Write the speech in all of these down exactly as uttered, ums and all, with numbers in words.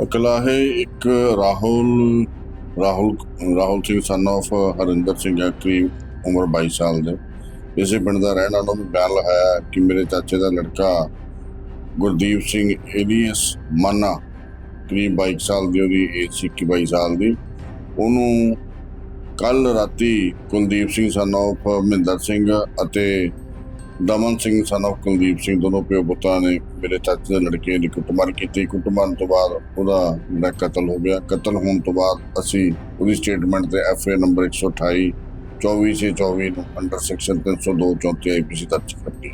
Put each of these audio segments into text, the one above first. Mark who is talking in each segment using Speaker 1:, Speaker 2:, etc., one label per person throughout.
Speaker 1: ਕਲਾਹੇ ਇੱਕ Rahul Rahul Rahul Singh son of Harinder Singh ਹੈ, ਕਰੀਬ ਉਮਰ ਬਾਈ ਸਾਲ ਦੇ, ਇਸੇ ਪਿੰਡ ਦਾ ਰਹਿਣ ਵਾਲਾ। ਉਹਨੂੰ ਬਿਆਨ ਲਗਾਇਆ ਕਿ ਮੇਰੇ ਚਾਚੇ ਦਾ ਲੜਕਾ ਗੁਰਦੀਪ ਸਿੰਘ ਏਲੀਅਸ ਮਾਨਾ, ਕਰੀਬ ਬਾਈ ਸਾਲ ਦੀ ਉਹਦੀ ਏਜ ਸੀ, ਇੱਕੀ ਬਾਈ ਸਾਲ ਦੀ, ਉਹਨੂੰ ਕੱਲ ਰਾਤੀ ਕੁਲਦੀਪ ਸਿੰਘ ਸਨ ਆਫ ਮਹਿੰਦਰ ਸਿੰਘ ਅਤੇ ਦਮਨ ਸਿੰਘ ਸਨ ਆਫ ਕੁਲਦੀਪ ਸਿੰਘ, ਦੋਨੋਂ ਪਿਓ ਪੁੱਤਾਂ ਨੇ ਮੇਰੇ ਚਾਚੇ ਦੇ ਲੜਕੇ ਦੀ ਕੁੱਟਮਾਰ ਕੀਤੀ। ਕੁੱਟਮਾਰ ਤੋਂ ਬਾਅਦ ਉਹਦਾ ਜਿਹੜਾ ਕਤਲ ਹੋ ਗਿਆ। ਕਤਲ ਹੋਣ ਤੋਂ ਬਾਅਦ ਅਸੀਂ ਉਹਦੀ ਸਟੇਟਮੈਂਟ ਤੇ ਐਫ ਏ ਨੰਬਰ ਇੱਕ ਸੌ ਅਠਾਈ ਚੌਵੀ ਛੇ ਚੌਵੀ ਨੂੰ ਅੰਡਰ ਸੈਕਸ਼ਨ ਤਿੰਨ ਸੌ ਦੋ ਚੌਂਤੀ ਆਈ ਪੀ ਸੀ ਦਰਜ ਕੀਤੀ।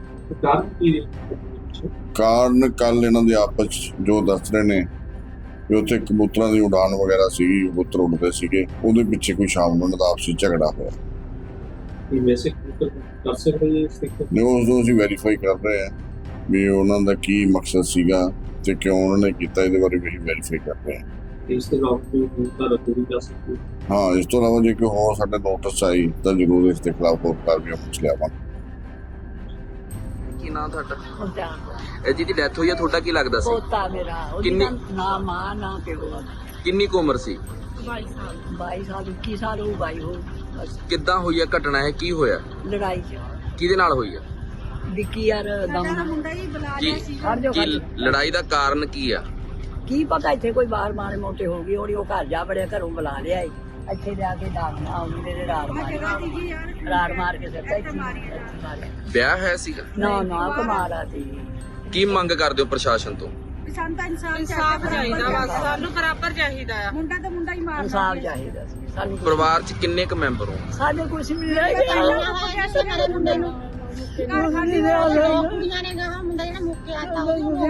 Speaker 1: ਕਾਰਨ ਕੱਲ ਇਹਨਾਂ ਦੇ ਆਪਸ 'ਚ ਜੋ ਦੱਸ ਰਹੇ ਨੇ ਵੀ ਉੱਥੇ ਕਬੂਤਰਾਂ ਦੀ ਉਡਾਨ ਵਗੈਰਾ ਸੀਗੀ, ਕਬੂਤਰ ਉੱਡਦੇ ਸੀਗੇ, ਉਹਦੇ ਪਿੱਛੇ ਕੋਈ ਸ਼ਾਮ ਨੂੰ ਉਹਨਾਂ ਦਾ ਆਪਸੀ ਝਗੜਾ ਹੋਇਆ। ਨਹੀਂ, ਉਸ ਨੂੰ ਅਸੀਂ ਵੈਰੀਫਾਈ ਕਰ ਰਹੇ ਹਾਂ ਵੀ ਉਹਨਾਂ ਦਾ ਕੀ ਮਕਸਦ ਸੀਗਾ ਤੇ ਕਿਉਂ ਉਹਨਾਂ ਨੇ ਕੀਤਾ, ਇਹਦੇ ਬਾਰੇ ਵੀ ਅਸੀਂ ਵੈਰੀਫਾਈ ਕਰ ਰਹੇ ਹਾਂ। ਇਸ ਤੋਂ ਹਾਂ ਇਸ ਤੋਂ ਇਲਾਵਾ ਜੇ ਕੋਈ ਹੋਰ ਸਾਡੇ ਨੋਟਿਸ ਆਈ ਤਾਂ ਜ਼ਰੂਰ ਇਸ ਦੇ ਖਿਲਾਫ ਹੋਰ ਕਾਰਵਾਈ ਪੁੱਛ ਲਿਆਵਾਂਗੇ।
Speaker 2: ਕੀ ਨਾਮ ਤੁਹਾਡਾ? ਇਹ ਜਿਹਦੀ ਡੈਥ ਹੋਈ ਹੈ, ਤੁਹਾਡਾ ਕੀ ਲੱਗਦਾ ਸੀ?
Speaker 3: ਪੋਤਾ ਮੇਰਾ।
Speaker 2: ਕਿੰਨੀ
Speaker 3: ਨਾ ਮਾਂ ਨਾ ਪਿਓ।
Speaker 2: ਕਿੰਨੀ ਕੁ ਉਮਰ ਸੀ?
Speaker 3: ਬਾਈ ਸਾਲ। ਬਾਈ ਸਾਲ ਇੱਕੀ ਸਾਲ ਹੋ ਬਾਈ ਹੋ।
Speaker 2: ਕਿੱਦਾਂ ਹੋਈ ਹੈ ਘਟਨਾ? ਹੈ ਕੀ ਹੋਇਆ?
Speaker 3: ਲੜਾਈ ਚ
Speaker 2: ਕਿਹਦੇ ਨਾਲ ਹੋਈ ਹੈ?
Speaker 3: ਵਿੱਕੀ ਯਾਰ ਦਮ ਮੁੰਡਾ ਹੀ ਬੁਲਾ ਲਿਆ ਸੀ।
Speaker 2: ਕੀ ਲੜਾਈ ਦਾ ਕਾਰਨ ਕੀ ਆ?
Speaker 3: ਕੀ ਪਤਾ, ਇੱਥੇ ਕੋਈ ਬਾਹਰ ਮਾਰੇ ਮੋਟੇ ਹੋ ਗਈ ਹੋਣੀ। ਉਹ ਘਰ ਜਾ ਬੜਿਆ, ਘਰੋਂ ਬੁਲਾ ਲਿਆ ਇੱਥੇ ਲਿਆ ਕੇ ਦਾਗ ਆਉਂਦੇ ਨੇ, ਰਾੜ ਮਾਰੀ ਰਾੜ ਮਾਰ ਕੇ ਦਿੱਤਾ ਇੱਥੇ ਮਾਰਿਆ।
Speaker 2: ਵਿਆਹ ਹੈ ਸੀਗਾ?
Speaker 3: ਨਾ ਨਾ ਕਮਾਲਾ ਸੀ।
Speaker 2: ਕੀ ਮੰਗ ਕਰਦੇ ਹੋ ਪ੍ਰਸ਼ਾਸਨ ਤੋਂ?
Speaker 4: ਸਾਨੂੰ ਤਾਂ ਇਨਸਾਫ ਚਾਹੀਦਾ, ਬਸ ਸਾਨੂੰ ਬਰਾਬਰ ਚਾਹੀਦਾ ਆ। ਮੁੰਡਾ ਤਾਂ ਮੁੰਡਾ ਹੀ ਮਾਰਦਾ।
Speaker 3: ਇਨਸਾਫ ਚਾਹੀਦਾ ਸੀ ਸਾਨੂੰ।
Speaker 2: ਪਰਿਵਾਰ 'ਚ ਕਿੰਨੇ ਕੁ ਮੈਂਬਰ ਹੋ?
Speaker 3: ਸਾਡੇ ਕੁਛ ਵੀ ਰਹਿ ਗਿਆ ਮੁੰਡੇ ਨੂੰ।
Speaker 4: ਕੁੜੀਆਂ ਨੇ ਕਹਾ ਮੁੰਡਾ ਜਿਹੜਾ ਮੁੱਕਿਆ ਤਾਂ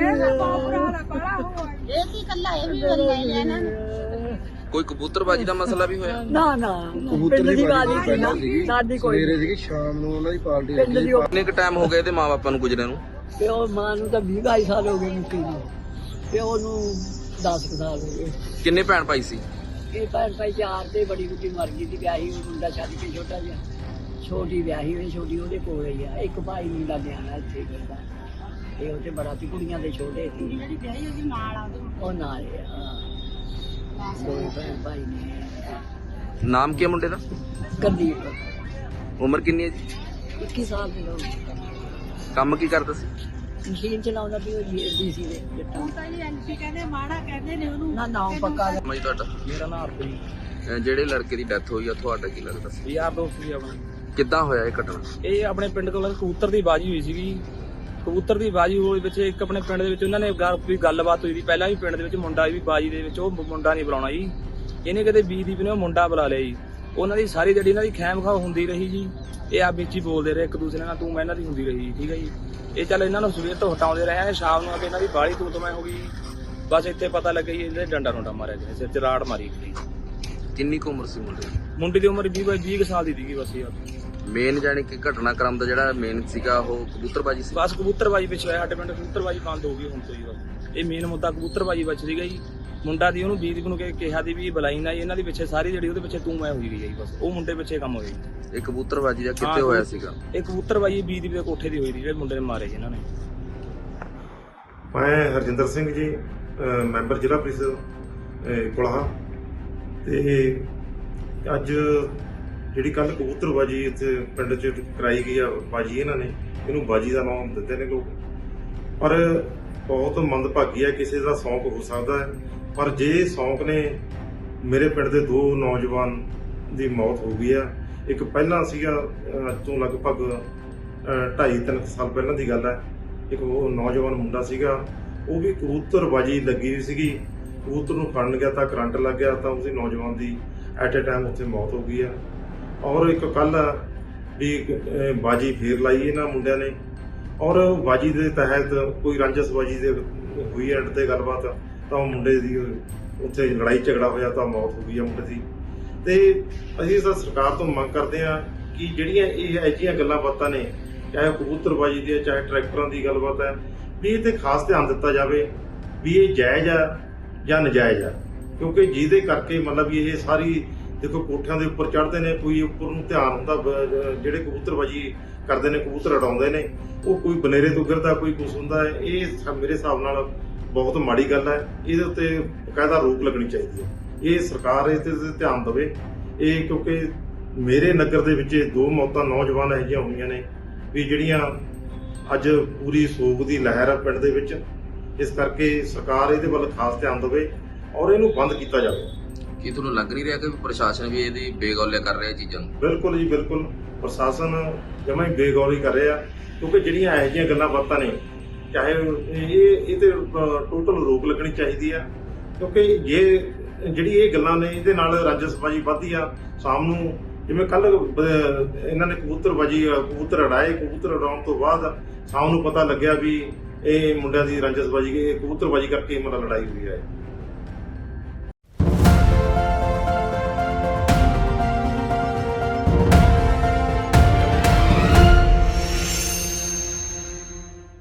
Speaker 4: ਇਹ ਕੀ ਕੱਲਾ ਇਹ ਵੀ ਬੰਦਾ ਹੀ ਹੈ ਨਾ।
Speaker 2: ਕੋਈ ਕਬੂਤਰਬਾਜੀ ਦਾ ਮਸਲਾ ਵੀ ਹੋਇਆ?
Speaker 3: ਨਾ ਨਾ ਪਿੰਡ ਦੀ ਬਾਜੀ ਸੀ ਨਾ ਸਾਡੀ। ਕੋਈ
Speaker 5: ਸਵੇਰੇ ਸੀਗੀ, ਸ਼ਾਮ ਨੂੰ ਉਹਨਾਂ ਦੀ ਪਾਰਟੀ।
Speaker 3: ਪਿੰਡ ਦੀ।
Speaker 2: ਕਿੰਨੇ ਕੁ ਟਾਈਮ ਹੋ ਗਏ ਇਹਦੇ ਮਾਂ-ਬਾਪਾਂ ਨੂੰ ਗੁਜਰੇ ਨੂੰ?
Speaker 3: ਪਿਓ ਮਾਂ ਨੂੰ ਤਾਂ ਵੀਹ ਬਾਈ ਸਾਲ ਹੋ ਗਏ ਮੁੱਕੀ ਨੂੰ। ਪਿਓ ਨੂੰ ਦਸ ਕੁ ਸਾਲ ਹੋ ਗਏ।
Speaker 2: ਕਿੰਨੇ ਭੈਣ ਭਾਈ ਸੀ?
Speaker 3: ਇਹ ਭੈਣ ਭਾਈ ਚਾਰ ਤੇ ਬੜੀ ਕੁੜੀ ਮਰ ਗਈ ਸੀ, ਵਿਆਹੀ ਹੋਈ, ਮੁੰਡਾ ਛੱਡ ਕੇ ਛੋਟਾ ਜਿਹਾ। ਛੋਟੀ ਵਿਆਹੀ ਹੋਈ, ਛੋਟੀ ਉਹਦੇ ਕੋਲ ਹੀ ਆ। ਇੱਕ ਭਾਈ ਮੁੰਡਾ ਨਿਆਣਾ ਇੱਥੇ ਫਿਰਦਾ। ਇਹ ਉਹਦੇ ਬੜਾ ਸੀ, ਕੁੜੀਆਂ ਦੇ ਛੋਟੇ ਸੀ।
Speaker 4: ਜਿਹੜੀ ਵਿਆਹੀ ਉਹਦੀ ਨਾਲ ਆ
Speaker 3: ਉਹ ਨਾਲ ਆ। ਦੋ ਭੈਣ ਭਾਈ ਨੇ।
Speaker 2: ਨਾਮ ਕੀ ਹੈ ਮੁੰਡੇ ਦਾ?
Speaker 3: ਗੁਰਦੀਪ।
Speaker 2: ਉਮਰ ਕਿੰਨੀ ਹੈ ਜੀ?
Speaker 3: ਇੱਕੀ ਸਾਲ ਦੇ ਲੋਕ।
Speaker 2: ਕੰਮ ਕੀ ਕਰਦਾ ਸੀ?
Speaker 3: ਮਸ਼ੀਨ ਚਲਾਉਂਦਾ ਸੀ ਉਹ ਡੀਸੀ ਦੇ ਜੱਟਾਂ।
Speaker 4: ਹੁਣ ਤਾਂ ਇਹ ਐਮਪੀ ਕਹਿੰਦੇ ਮਾੜਾ ਕਹਿੰਦੇ ਨੇ ਉਹਨੂੰ।
Speaker 3: ਨਾ ਨਾਮ ਪੱਕਾ।
Speaker 2: ਮੈਂ ਤੁਹਾਡਾ?
Speaker 5: ਮੇਰਾ ਨਾਮ ਹਰਪ੍ਰੀਤ।
Speaker 2: ਜਿਹੜੇ ਲੜਕੇ ਦੀ ਡੈਥ ਹੋਈ ਆ, ਤੁਹਾਡਾ ਕੀ ਲੱਗਦਾ ਸੀ?
Speaker 5: ਯਾਰ ਦੋਸਤ ਸੀ ਆਪਣਾ।
Speaker 2: ਕਿੱਦਾਂ ਹੋਇਆ ਇਹ ਘਟਨਾ?
Speaker 5: ਇਹ ਆਪਣੇ ਪਿੰਡ ਕੋਲ ਕਬੂਤਰ ਦੀ ਬਾਜੀ ਹੋਈ ਸੀਗੀ। ਕਬੂਤਰ ਦੀ ਬਾਜੀ ਹੋਈ ਵਿੱਚ ਇੱਕ ਆਪਣੇ ਪਿੰਡ ਦੇ ਵਿੱਚ ਉਹਨਾਂ ਨੇ ਕੋਈ ਗੱਲਬਾਤ ਹੋਈ ਸੀ ਪਹਿਲਾਂ ਵੀ। ਪਿੰਡ ਦੇ ਵਿੱਚ ਮੁੰਡਾ ਵੀ ਬਾਜੀ ਦੇ ਵਿੱਚ, ਉਹ ਮੁੰਡਾ ਨਹੀਂ ਬੁਲਾਉਣਾ ਜੀ। ਇਹਨੇ ਕਦੇ ਬੀਦੀਪ ਨੇ ਉਹ ਮੁੰਡਾ ਬੁਲਾ ਲਿਆ ਜੀ। ਉਹਨਾਂ ਦੀ ਸਾਰੀ ਜਿਹੜੀ ਇਹਨਾਂ ਦੀ ਖੈਮ ਖਾ ਹੁੰਦੀ ਰਹੀ ਜੀ। ਇਹ ਆ ਵਿੱਚ ਹੀ ਬੋਲਦੇ ਰਹੇ ਇੱਕ ਦੂਸਰੇ ਨਾਲ, ਤੂੰ ਮੈਂ ਇਹਨਾਂ ਦੀ ਹੁੰਦੀ ਰਹੀ। ਠੀਕ ਹੈ ਜੀ। ਇਹ ਚੱਲ ਇਹਨਾਂ ਨੂੰ ਸਵੇਰ ਤੋਂ ਹਟਾਉਂਦੇ ਰਹੇ। ਸ਼ਾਮ ਨੂੰ ਆ ਕੇ ਇਹਨਾਂ ਦੀ ਬਾਹਲੀ ਤੂੰ ਤੋਂ ਮੈਂ ਹੋ ਗਈ। ਬਸ ਇੱਥੇ ਪਤਾ ਲੱਗਿਆ ਜੀ ਇਹਦੇ ਡੰਡਾ ਡੁੰਡਾ ਮਾਰਿਆ ਗਿਆ, ਸਿਰ 'ਚ ਰਾੜ ਮਾਰੀ ਗਈ।
Speaker 2: ਕਿੰਨੀ ਕੁ ਉਮਰ ਸੀ ਮੁੰਡੇ ਦੀ?
Speaker 5: ਮੁੰਡੇ ਦੀ ਉਮਰ ਵੀਹ ਵੀਹ ਕੁ ਸਾਲ ਦੀ ਸੀਗੀ ਬਸ ਯਾਰ।
Speaker 2: ਮੇਨ ਜਾਨੀ ਕਿ ਘਟਨਾਕ੍ਰਮ ਦਾ ਜਿਹੜਾ ਮੇਨ ਸੀਗਾ ਉਹ ਕਬੂਤਰਬਾਜੀ ਸੀ।
Speaker 5: ਬਸ ਕਬੂਤਰਬਾਜੀ ਪਿੱਛੇ ਹੋਇਆ। ਸਾਡੇ ਪਿੰਡ ਕਬੂਤਰਬਾਜੀ ਬੰਦ ਹੋ ਗਈ ਹੁਣ ਤੋਂ ਜੀ। ਬਸ ਇਹ ਮੇਨ ਮੁੱਦਾ ਕਬੂਤਰਬਾਜੀ ਵਿੱਚ ਸੀਗਾ ਜੀ। ਮੁੰਡਾ ਦੀ ਉਹਨੂੰ ਬੀਦੀਪ ਨੂੰ ਕਿਹਾ ਦੀ ਵੀ ਬੁਲਾਈ ਨਾ। ਇਹਨਾਂ ਦੀ ਪਿੱਛੇ ਸਾਰੀ ਜਿਹੜੀ ਉਹਦੇ ਪਿੱਛੇ ਤੂੰ ਮੈਂ ਹੋਈ ਗਈ ਜੀ। ਬਸ ਉਹ ਮੁੰਡੇ ਪਿੱਛੇ ਕੰਮ ਹੋਇਆ ਜੀ।
Speaker 2: ਇਹ ਕਬੂਤਰਬਾਜੀ ਦਾ ਕਿੱਥੇ ਹੋਇਆ ਸੀਗਾ?
Speaker 5: ਇਹ ਕਬੂਤਰਬਾਜੀ ਬੀਦੀਪ ਦੇ ਕੋਠੇ ਦੀ ਹੋਈ ਸੀ, ਜਿਹੜੇ ਮੁੰਡੇ ਨੇ ਮਾਰੇ ਜੀ ਇਹਨਾਂ ਨੇ।
Speaker 6: ਮੈਂ ਹਰਜਿੰਦਰ ਸਿੰਘ ਜੀ, ਮੈਂਬਰ ਜ਼ਿਲ੍ਹਾ ਪ੍ਰੀਸ਼ਦ ਕੁਲਾਹਾ। ਤੇ ਅੱਜ ਜਿਹੜੀ ਕੱਲ ਕਬੂਤਰਬਾਜੀ ਇੱਥੇ ਪਿੰਡ 'ਚ ਕਰਾਈ ਗਈ ਆ ਬਾਜੀ, ਇਹਨਾਂ ਨੇ ਇਹਨੂੰ ਬਾਜੀ ਦਾ ਨਾਮ ਦਿੱਤੇ ਨੇ ਲੋਕ। ਪਰ ਬਹੁਤ ਮੰਦਭਾਗੀ ਹੈ, ਕਿਸੇ ਦਾ ਸ਼ੌਂਕ ਹੋ ਸਕਦਾ ਹੈ। ਪਰ ਜੇ ਸ਼ੌਂਕ ਨੇ, ਮੇਰੇ ਪਿੰਡ ਦੇ ਦੋ ਨੌਜਵਾਨ ਦੀ ਮੌਤ ਹੋ ਗਈ ਆ। ਇੱਕ ਪਹਿਲਾਂ ਸੀਗਾ, ਅੱਜ ਤੋਂ ਲਗਭਗ ਢਾਈ ਤਿੰਨ ਸਾਲ ਪਹਿਲਾਂ ਦੀ ਗੱਲ ਹੈ। ਇੱਕ ਉਹ ਨੌਜਵਾਨ ਮੁੰਡਾ ਸੀਗਾ, ਉਹ ਵੀ ਕਬੂਤਰਬਾਜੀ ਲੱਗੀ ਹੋਈ ਸੀਗੀ। ਕਬੂਤਰ ਨੂੰ ਫੜਨ ਗਿਆ ਤਾਂ ਕਰੰਟ ਲੱਗ ਗਿਆ, ਤਾਂ ਉਸਦੀ ਨੌਜਵਾਨ ਦੀ ਐਟ ਏ ਟਾਈਮ ਉੱਥੇ ਮੌਤ ਹੋ ਗਈ ਆ। ਔਰ ਇੱਕ ਕੱਲ ਵੀ ਬਾਜੀ ਫੇਰ ਲਾਈ ਇਹਨਾਂ ਮੁੰਡਿਆਂ ਨੇ, ਔਰ ਬਾਜੀ ਦੇ ਤਹਿਤ ਕੋਈ ਰਾਂਝਸਬਾਜੀ ਦੇ ਹੋਈ ਐਂਡ ਤੇ ਗੱਲਬਾਤ, ਤਾਂ ਉਹ ਮੁੰਡੇ ਦੀ ਉੱਥੇ ਲੜਾਈ ਝਗੜਾ ਹੋਇਆ ਤਾਂ ਮੌਤ ਹੋ ਗਈ ਆ ਮੁੰਡੇ ਦੀ। ਤੇ ਅਸੀਂ ਤਾਂ ਸਰਕਾਰ ਤੋਂ ਮੰਗ ਕਰਦੇ ਹਾਂ ਕਿ ਜਿਹੜੀਆਂ ਇਹ ਅਜਿਹੀਆਂ ਗੱਲਾਂ ਬਾਤਾਂ ਨੇ, ਚਾਹੇ ਕਬੂਤਰਬਾਜੀ ਦੀ ਹੈ, ਚਾਹੇ ਟਰੈਕਟਰਾਂ ਦੀ ਗੱਲਬਾਤ ਹੈ, ਵੀ ਇਹ 'ਤੇ ਖਾਸ ਧਿਆਨ ਦਿੱਤਾ ਜਾਵੇ ਵੀ ਇਹ ਜਾਇਜ਼ ਆ ਜਾਂ ਨਜਾਇਜ਼ ਆ। ਕਿਉਂਕਿ ਜਿਹਦੇ ਕਰਕੇ ਮਤਲਬ ਵੀ ਇਹ ਸਾਰੀ ਦੇਖੋ ਕੋਠਿਆਂ ਦੇ ਉੱਪਰ ਚੜ੍ਹਦੇ ਨੇ, ਕੋਈ ਉੱਪਰ ਨੂੰ ਧਿਆਨ ਹੁੰਦਾ, ਜਿਹੜੇ ਕਬੂਤਰਬਾਜੀ ਕਰਦੇ ਨੇ, ਕਬੂਤਰ ਉਡਾਉਂਦੇ ਨੇ, ਉਹ ਕੋਈ ਬਨੇਰੇ ਤੋਂ ਗਿਰਦਾ, ਕੋਈ ਕੁਛ ਹੁੰਦਾ ਹੈ। ਇਹ ਮੇਰੇ ਹਿਸਾਬ ਨਾਲ ਬਹੁਤ ਮਾੜੀ ਗੱਲ ਹੈ। ਇਹਦੇ ਉੱਤੇ ਬਕਾਇਦਾ ਰੋਕ ਲੱਗਣੀ ਚਾਹੀਦੀ ਹੈ। ਇਹ ਸਰਕਾਰ ਇਸ ਤੇ ਧਿਆਨ ਦੇਵੇ। ਇਹ ਕਿਉਂਕਿ ਮੇਰੇ ਨਗਰ ਦੇ ਵਿੱਚ ਦੋ ਮੌਤਾਂ ਨੌਜਵਾਨ ਇਹੋ ਜਿਹੀਆਂ ਹੋਈਆਂ ਨੇ ਵੀ ਜਿਹੜੀਆਂ ਅੱਜ ਪੂਰੀ ਸੋਗ ਦੀ ਲਹਿਰ ਹੈ ਪਿੰਡ ਦੇ ਵਿੱਚ। ਇਸ ਕਰਕੇ ਸਰਕਾਰ ਇਹਦੇ ਵੱਲ ਖਾਸ ਧਿਆਨ ਦੇਵੇ ਔਰ ਇਹਨੂੰ ਬੰਦ ਕੀਤਾ ਜਾਵੇ।
Speaker 2: ਕੀ ਤੁਹਾਨੂੰ ਲੱਗ ਨਹੀਂ ਰਿਹਾ ਕਿ ਪ੍ਰਸ਼ਾਸਨ ਵੀ ਇਹਦੀ ਬੇਗੌਲਿਆ ਕਰ ਰਿਹਾ ਚੀਜ਼ਾਂ ਨੂੰ?
Speaker 6: ਬਿਲਕੁਲ ਜੀ ਬਿਲਕੁਲ, ਪ੍ਰਸ਼ਾਸਨ ਜਮਾਂ ਹੀ ਬੇਗੌਰੀ ਕਰ ਰਿਹਾ ਕਿਉਂਕਿ ਜਿਹੜੀਆਂ ਇਹੋ ਜਿਹੀਆਂ ਗੱਲਾਂ ਬਾਤਾਂ ਨੇ ਚਾਹੇ ਇਹ ਇਹ ਤੇ ਟੋਟਲ ਰੋਕ ਲੱਗਣੀ ਚਾਹੀਦੀ ਆ। ਕਿਉਂਕਿ ਜੇ ਜਿਹੜੀ ਇਹ ਗੱਲਾਂ ਨੇ ਇਹਦੇ ਨਾਲ ਰਾਜਸਬਾਜੀ ਵੱਧਦੀ ਆ। ਸ਼ਾਮ ਨੂੰ ਜਿਵੇਂ ਕੱਲ ਇਹਨਾਂ ਨੇ ਕਬੂਤਰਬਾਜੀ ਕਬੂਤਰ ਉਡਾਏ, ਕਬੂਤਰ ਉਡਾਉਣ ਤੋਂ ਬਾਅਦ ਸ਼ਾਮ ਨੂੰ ਪਤਾ ਲੱਗਿਆ ਵੀ ਇਹ ਮੁੰਡਿਆਂ ਦੀ ਰਾਜਸਬਾਜੀ ਕਬੂਤਰਬਾਜੀ ਕਰਕੇ ਮਤਲਬ ਲੜਾਈ ਹੋਈ ਹੈ।